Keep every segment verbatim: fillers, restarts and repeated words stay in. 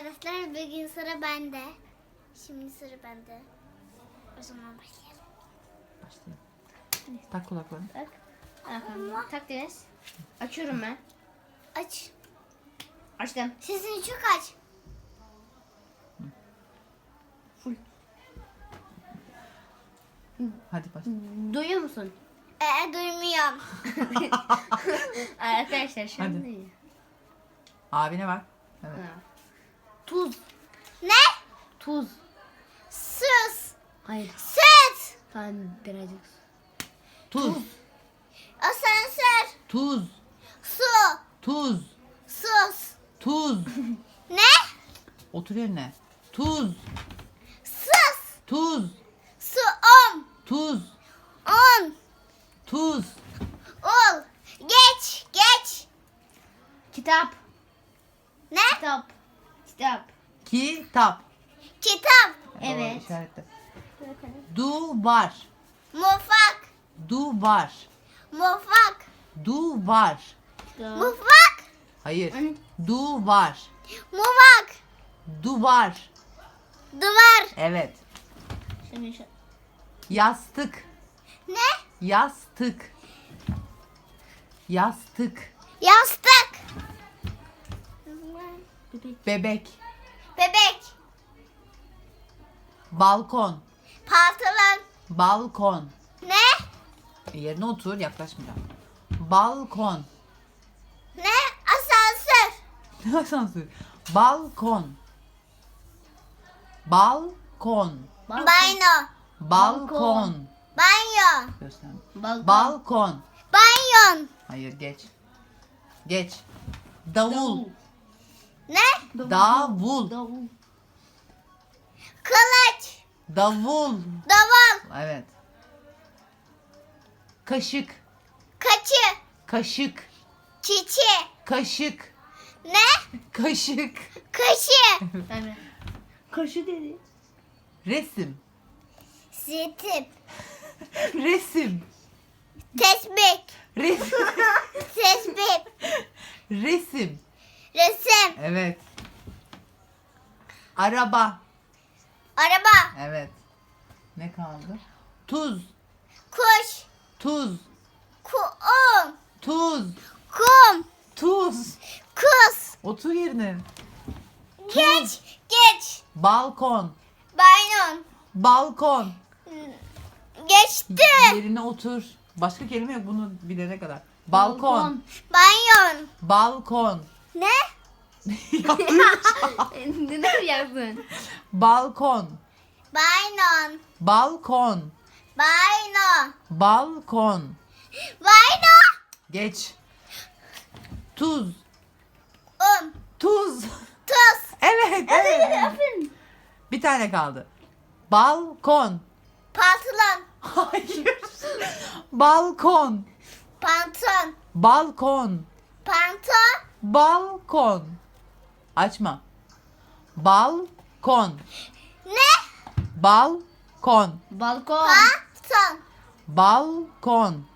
arkadaşlar, bugün sıra bende. Şimdi sıra bende. O zaman başlayalım. Başlayalım. Tak kulaklarını. Tak. Ayakkabımı tak Deniz. Açıyorum ben. Aç. Açtım. Sesini çok aç. Full. Hadi başla. Duyuyor musun? Ee, duymuyorum. Arkadaşlar şu an Hadi. duyuyor. Abine bak. Evet. Ha. Tuz. Ne? Tuz. Sus. Hayır. Süt. Tamam birazcık. Tuz. Asansör. Tuz. Su. Tuz. Sus. Tuz. Ne? Otur yerine. Tuz. Sus. Tuz. Su. Om. Tuz. On. Tuz. Ol. Geç. Geç. Kitap. Ne? Kitap. Kitap. Kitap. Kitap. Evet. Doğru, işaretle. Duvar. Mutfak. Duvar. Mutfak. Duvar. Mutfak. Hayır. Anne. Duvar. Mutfak. Duvar. Duvar. Evet. Şimdi şu. Yastık. Ne? Yastık. Yastık. Yastık. Bebek. Bebek. Bebek. Balkon. Pantolon. Balkon. Ne? Yerine otur, yaklaşmayacağım. Balkon. Ne? Asansör. Ne asansör? Balkon. Balkon. Balkon. Banyo. Balkon. Banyo. Göster. Balkon. Balkon. Banyon. Hayır, geç. Geç. Davul. Ne? Davul. Davul. Kılıç. Davul. Davul. Evet. Kaşık. Kaçı. Kaşık. Çiçi. Kaşık. Ne? Kaşık. Kaşı. Tamam. Kaşı dedi. Resim. Zitip. Resim. Tesbih. Resim. Tesbih. Resim. Resim. Evet. Araba. Araba. Evet. Ne kaldı? Tuz. Kuş. Tuz. Kum. Tuz. Kum. Tuz. Kus. Otur yerine. Geç. Geç. Balkon. Banyon. Balkon. Geçti. Yerine otur. Başka kelime yok bunu bilene kadar. Balkon. Banyon. Balkon. Ne? Neden yazdın? Balkon. Banyon. Balkon. Banyo. Balkon. Banyo. Geç. Tuz. Um. Tuz. Tuz. Evet. evet. Aferin. Bir tane kaldı. Balkon. Pantolon. Hayır. Balkon. Pantolon. Balkon. Pantolon. Balkon. Açma. Balkon. Ne? Balkon. Balkon. Pantolon. Balkon.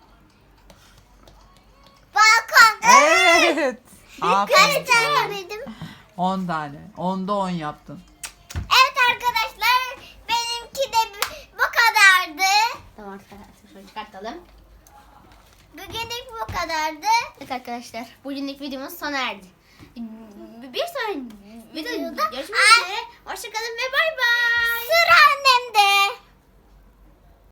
Balkon. Evet. Kaç Aferin. tane bildim? on tane. Onda on yaptın. Evet arkadaşlar, benimki de bu- bu kadardı. Tamam arkadaşlar şöyle çıkartalım. Bugünlük bu kadardı. Evet arkadaşlar bugünlük videomuz sona erdi. Bir sonraki videoda görüşmek üzere.